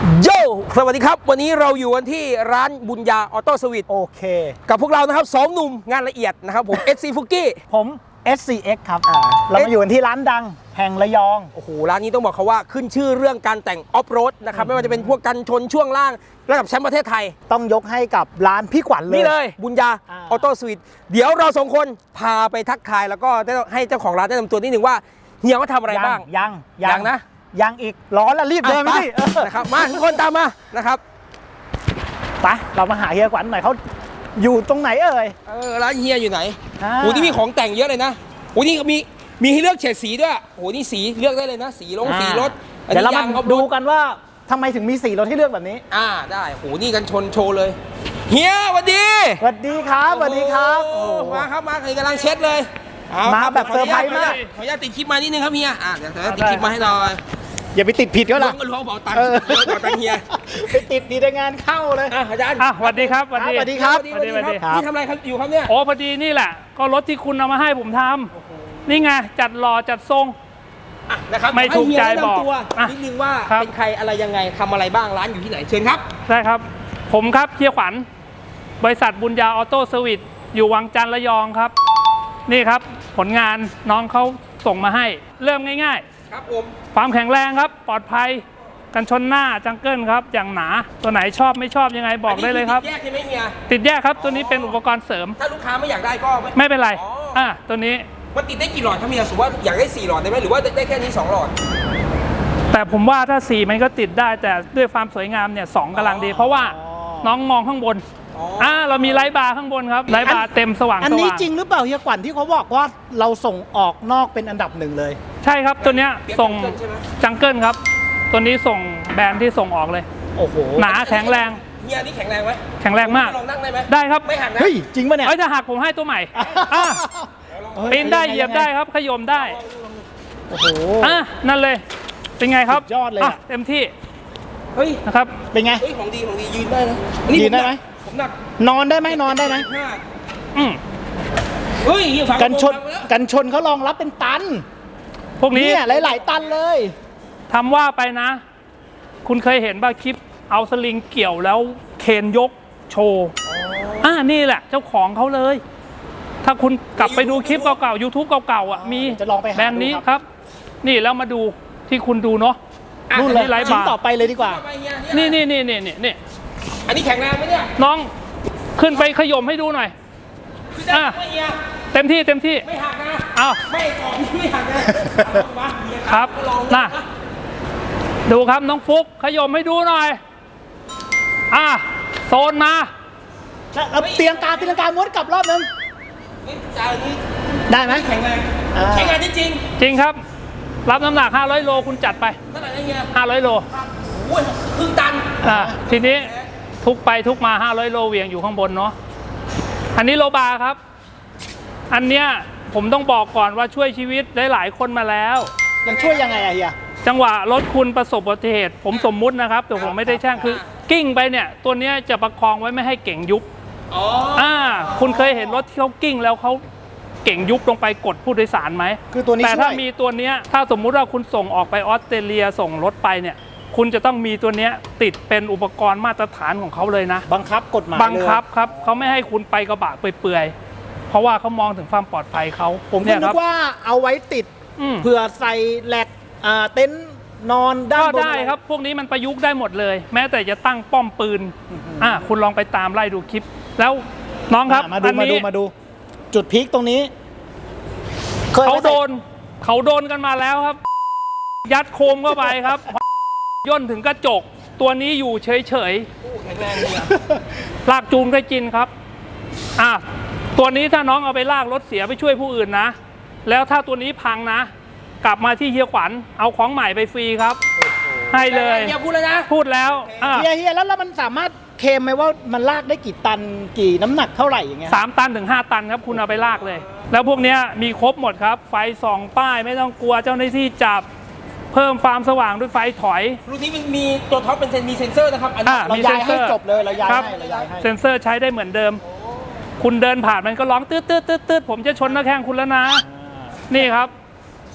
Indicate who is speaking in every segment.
Speaker 1: โยสวัสดีครับวันนี้เราอยู่กันที่ร้านบุญญาออโต้สวิต
Speaker 2: โอเค
Speaker 1: กับพวกเรานะครับสองหนุ่มงานละเอียดนะครับผม SC ฟุกกี้
Speaker 2: ผม SCX ครับเรามาอยู่กันที่ร้านดังแห่งระยอง
Speaker 1: โอ้โหร้านนี้ต้องบอกเขาว่าขึ้นชื่อเรื่องการแต่งออฟโรดนะครับไม่ว่าจะเป็นพวกกันชนช่วงล่างระดับแชมป์ประเทศไทย
Speaker 2: ต้องยกให้กับร้านพี่ขวัญเลย
Speaker 1: นี่เลยบุญญาออโต้สวิตเดี๋ยวเราสองคนพาไปทักทายแล้วก็ให้เจ้าของร้านแนะนำตัวนิดหนึ่งว่าเฮียเขาทำอะไรบ้าง
Speaker 2: ยัง
Speaker 1: นะ
Speaker 2: ยังอีกร้อนแล้วรีบเดินไป
Speaker 1: นะครับมาทุกคนตามมานะครับ
Speaker 2: ไปเรามาหาเฮียขวัญหน่อยเขาอยู่ตรงไหน
Speaker 1: ร้านเฮียอยู่ไหนโอ้นี่มีของแต่งเยอะเลยนะโอ้นี่มีให้เลือกเฉดสีด้วยโอ้นี่สีเลือกได้เลยนะสีสีรถ
Speaker 2: เดี๋ยวเรามาดูกันว่าทำไมถึงมีสีรถให้เลือกแบบนี้
Speaker 1: ได้โอ้นี่กันชนโชว์เลยเฮียสวัสดี
Speaker 2: สวัสดีครับสวัสดีครับ
Speaker 1: มาครับมาเลยกำลังเช็ดเลย
Speaker 2: มาแบบเซอร์ไพรส์มาก
Speaker 1: ขออนุญาตติดคลิปมานิดนึงครับเฮียเดี๋ยวติดคลิปมาให้หน่อย
Speaker 2: อย่าไปติดผิดก็ล่ะ
Speaker 1: ล้วงเป๋าตังค์เฮีย
Speaker 2: ไปติดดีในงานเข้าเลย
Speaker 1: อาจารย์
Speaker 3: สวัสดีครับ
Speaker 2: สวัสดีครับ
Speaker 1: นี่ทำอะไรครับอยู่ครับเนี่ย
Speaker 3: โอ้พอดีนี่แหละก็รถที่คุณเอามาให้ผมทำนี่ไงจัดหล่อจัดทรง
Speaker 1: นะครับ
Speaker 3: ไม่ถูกใจบอก
Speaker 1: นิดนึงว่าเป็นใครอะไรยังไงทำอะไรบ้างร้านอยู่ที่ไหนเชิญครับ
Speaker 3: ใช่ครับผมครับเฮียขวัญบริษัทบุญญาออโต้เซอร์วิสอยู่วังจันทร์ระยองครับนี่ครับผลงานน้องเขาส่งมาให้เริ่มง่าย
Speaker 1: ๆครับผม
Speaker 3: ความแข็งแรงครับปลอดภัยกันชนหน้าจังเกิลครับอย่างหนาตัวไหนชอบไม่ชอบยังไงบอกได้เลยครับ
Speaker 1: ติดแยกใช่ไหมเฮีย
Speaker 3: ติดแยกครับตัวนี้เป็นอุปกรณ์เสริม
Speaker 1: ถ้าลูกค้าไม่อยากได้ก็
Speaker 3: ไม่เป็นไรตัวนี้
Speaker 1: มันติดได้กี่หลอดครับเฮียสมมติว่าอยากได้4หลอดได้ไหมหรือว่าได้แค่นี้2หลอด
Speaker 3: แต่ผมว่าถ้า4มันก็ติดได้แต่ด้วยความสวยงามเนี่ย2กำลังดีเพราะว่าน้องมองข้างบนเรามีไลท์บาร์ข้างบนครับไลท์บาร์เต็มสว่าง
Speaker 2: อันนี้จริงหรือเปล่าเฮียขวัญที่เขาบอกว่าเราส่งออกนอกเป็นอันดับหนึ่งเลย
Speaker 3: ใช่ครับตัวเนี้ยส่งจังเกิลครับตัวนี้ส่งแบรนด์ที่ส่งออกเลย
Speaker 2: โอ้โห
Speaker 3: หนาแข็งแรง
Speaker 1: เฮียนี่แข็งแรงไหม
Speaker 3: แข็งแรงมาก
Speaker 1: ลองนั่งได้ไหม
Speaker 3: ได้ครับ
Speaker 1: ไม่หักนะ
Speaker 2: เฮ้ยจริงป่ะเนี่ย
Speaker 3: ถ้าหักผมให้ตัวใหม่ปีนได้เหยียบได้ครับขยมได้
Speaker 2: โอ้โห
Speaker 3: นั่นเลยเป็นไงครับ
Speaker 2: ยอดเลย
Speaker 3: เต็มที่
Speaker 1: เฮ้ย
Speaker 3: นะครับ
Speaker 2: เป็นไง
Speaker 1: ของดียืนได้นะ
Speaker 2: ยืนได้ไหม
Speaker 1: ผมหนัก
Speaker 2: นอนได้ไหม
Speaker 1: เฮ้ย
Speaker 2: กันชนเขารองรับเป็นตัน
Speaker 3: พวกนี้
Speaker 2: หลายตันเลย
Speaker 3: ทำว่าไปนะคุณเคยเห็นป่ะคลิปเอาสลิงเกี่ยวแล้วเคนยกโชว์นี่แหละเจ้าของเขาเลยถ้าคุณกลับไปดูคลิปเก่าๆ YouTube เก่าๆมีแบรนด์นี้ครับนี่แล้วมาดูที่คุณดูเนาะ
Speaker 2: นู่นเลยชิ้นต่อไปเลยดีกว่า
Speaker 3: นี่
Speaker 1: อันนี้แข็งแรงไหมเนี่ย
Speaker 3: น้องขึ้นไปขย่มให้ดูหน่อยเต็มที่
Speaker 1: ไม่หักนะไม่ก่อนไม่หักนะครับ
Speaker 3: ดูครับน้องฟุกขย่มให้ดูหน่อยโซนมา
Speaker 2: เตียงกาม้วนกลับรอบนึงได้ไหม
Speaker 1: แข็งแรงจ
Speaker 3: ริงครับรับน้ำหนัก500โลคุณจัดไป
Speaker 1: เท่าไหร่นะเฮีย
Speaker 3: 500โล
Speaker 1: ครึ่งตัน
Speaker 3: ทีนี้ทุกไปทุกมา500โลเวียงอยู่ข้างบนเนาะอันนี้โลบาครับอันเนี้ยผมต้องบอกก่อนว่าช่วยชีวิตหลายคนมาแล้ว
Speaker 2: ยังช่วยยังไงเฮีย
Speaker 3: จังหวะรถคุณประสบอุบัติเหตุผมสมมุตินะครับแต่ผมไม่ได้แช่งคือกิ้งไปเนี่ยตัวเนี้ยจะประคองไว้ไม่ให้เก่งยุบคุณเคยเห็นรถที่เขากิ้งแล้วเขาเก่งยุบลงไปกดผู้โดยสารไหม
Speaker 2: คือตัวนี้
Speaker 3: แต่ถ้ามีตัวเนี้ยถ้าสมมุติว่าคุณส่งออกไปออสเตรเลียส่งรถไปเนี่ยคุณจะต้องมีตัวเนี้ยติดเป็นอุปกรณ์มาตรฐานของเขาเลยนะ
Speaker 2: บังคับกฎหมาย
Speaker 3: บังคับครับเขาไม่ให้คุณไปกระบะเปื่อยๆเพราะว่าเขามองถึงความปลอดภัยเขา
Speaker 2: ผมคิดว่าเอาไว้ติดเผื่อใส่แหลกเต็นท์นอนด้านบน
Speaker 3: ได้ครับพวกนี้มันประยุกต์ได้หมดเลยแม้แต่จะตั้งป้อมปืนคุณลองไปตามไล่ดูคลิปแล้วน้องครับ
Speaker 2: มาดูจุดพีคตรงนี้
Speaker 3: เขาโดนกันมาแล้วครับยัดโคมเข้าไปครับย่นถึงกระจกตัวนี้อยู่เฉย
Speaker 1: แข็งแรงเลย
Speaker 3: ลากจูงก็จินครับตัวนี้ถ้าน้องเอาไปลากรถเสียไปช่วยผู้อื่นนะแล้วถ้าตัวนี้พังนะกลับมาที่เฮียขวัญเอาของใหม่ไปฟรีครับให้เลย
Speaker 1: อย่าพูดเลยนะ
Speaker 3: พูดแล้ว
Speaker 2: เฮียแล้วมันสามารถเคลมไหมว่ามันลากได้กี่ตันกี่น้ำหนักเท่าไหร่อย่างเงี้ย
Speaker 3: 3 ตันถึง 5 ตันครับคุณเอาไปลากเลยแล้วพวกนี้มีครบหมดครับไฟส่องป้ายไม่ต้องกลัวเจ้าหน้าที่จับเพิ่มความสว่างด้วยไฟถอย
Speaker 1: รุ่นนี้มันมีตัวท็อปเป็นมีเซ็นเซอร์นะครับ
Speaker 2: เราย้ายให้จบเลยเราย้ายให้
Speaker 3: เซ็นเซอร์ใช้ได้เหมือนเดิมคุณเดินผ่านมันก็ร้องตืดผมจะชนหน้าแข้งคุณแล้วนะนี่ครับ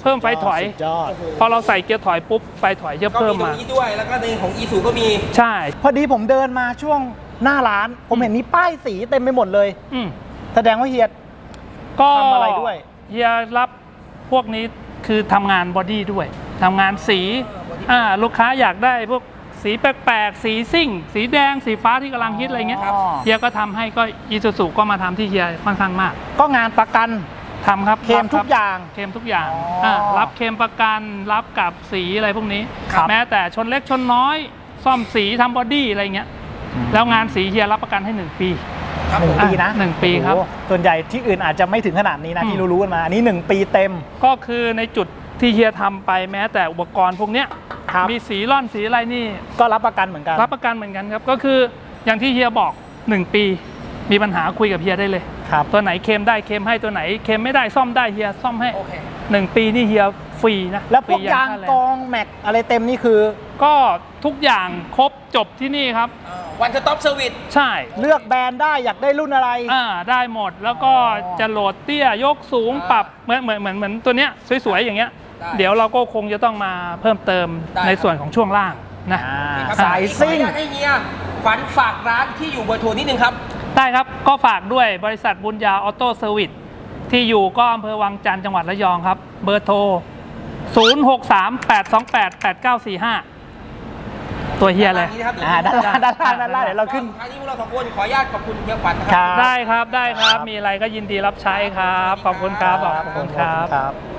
Speaker 3: เพิ่มไฟถอย
Speaker 2: สุดยอด
Speaker 3: พอเราใส่เกียร์ถอยปุ๊บไฟถอยจะ
Speaker 1: ก็
Speaker 3: เพิ่
Speaker 1: มี
Speaker 3: ม
Speaker 1: ตรง
Speaker 3: มา
Speaker 1: นี้ด้วยแล้วก็ในของอีซูก็มี
Speaker 3: ใช่
Speaker 2: พอดีผมเดินมาช่วงหน้าร้าน ผมเห็นมีป้ายสีเต็มไปหมดเลย
Speaker 3: อืม
Speaker 2: แสดงว่าเฮีย
Speaker 3: ก็
Speaker 2: ทำอะไรด้วย
Speaker 3: เฮียรับพวกนี้คือทำงานบอดี้ด้วยทำงานสีลูกค้าอยากได้พวกสีแปลกๆสีซิ่ง สีแดงสีฟ้าที่กำลังฮิตอะไรเงี้ย
Speaker 2: อ๋อ
Speaker 3: เฮียก็ทำให้ก็อีซูซูก็มาทำที่เฮียค่อนข้างมาก
Speaker 2: ก็งานประกัน
Speaker 3: ทำครับ
Speaker 2: เคลม
Speaker 3: รับ
Speaker 2: ทุกอย่าง
Speaker 3: เคลมทุกอย่าง
Speaker 2: อ๋อ
Speaker 3: รับเคลมประกันรับกับสีอะไรพวกนี้
Speaker 2: ครับ
Speaker 3: แม้แต่ชนเล็กชนน้อย ซ่อมสีทำบอดี้อะไรเงี้ยแล้วงานสีเฮียรับประกันให้ 1 ปี
Speaker 1: ครับ
Speaker 2: หนึ่
Speaker 1: ผ
Speaker 2: ง
Speaker 1: ม
Speaker 2: ปีนะ
Speaker 3: 1 ปีครับ
Speaker 2: โอ้โหส่วนใหญ่ที่อื่นอาจจะไม่ถึงขนาดนี้นะ
Speaker 3: อืม
Speaker 2: ที่รู้ๆกันมา อันนี้ 1 ปีเต็ม
Speaker 3: ก็คือในจุดที่เฮียทำไปแม้แต่อุปกรณ์พวกเนี้ย
Speaker 2: ครับ
Speaker 3: มีสีร่อนสีอะไรนี่
Speaker 2: ก็รับประกันเหมือนกัน
Speaker 3: รับประกันเหมือนกันครับ ก็คืออย่างที่เฮียบอก 1 ปี มีปัญหาคุยกับเฮียได้เลย
Speaker 2: ครับ
Speaker 3: ตัวไหนเคลมได้เคลมให้ตัวไหนเคลมไม่ได้ซ่อมได้เฮียซ่อมให้
Speaker 1: โอเค
Speaker 3: 1 ปีนี่เฮียฟรีนะ
Speaker 2: แล้วพวก
Speaker 3: ฟรี
Speaker 2: ยาง
Speaker 3: ค่แร
Speaker 2: กองแม็กอะไรเต็มนี่คือ
Speaker 3: ก็ทุกอย่างครบจบที่นี่ครับ
Speaker 1: วันสต็อปเซอร์วิส
Speaker 3: ใช่
Speaker 2: เลือกแบรนด์ได้อยากได้รุ่นอะไร
Speaker 3: ได้หมดแล้วก็
Speaker 2: อ๋อ
Speaker 3: จะโหลดเตี้ยยกสูง
Speaker 1: อ่า
Speaker 3: ปรับเหมือนตัวเนี้ยสวยๆอย่างเงี้ย
Speaker 1: ได้
Speaker 3: เดี๋ยวเราก็คงจะต้องมาเพิ่มเติม
Speaker 1: ได้
Speaker 3: ในส่วนของช่วงล่างนะ
Speaker 1: ครับ
Speaker 2: สายซิ่ง
Speaker 1: ขออนุญาตให้เฮียขวัญฝากร้านที่อยู่เบอร์โทรนิดนึงครับ
Speaker 3: ได้ครับ ก็ฝากด้วยบริษัทบุญญาออโต้เซอร์วิสที่อยู่ก็อำเภอวังจันทร์จังหวัดระยองครับ เบอร์โทร 0638288945 ตัวเฮียเลย
Speaker 2: ด้านล่างเดี๋ยวเราขึ้น
Speaker 1: ท้ายนี้พวกเราสองคนขออนุญาตขอบคุณเฮียขวัญนะค
Speaker 2: ครั
Speaker 1: รับ
Speaker 2: บ
Speaker 3: ได้ครับได้ครับ มีอะไรก็ยินดีรับใช้ครับ ขอบคุณครับขอบคุณครับ
Speaker 2: ครับ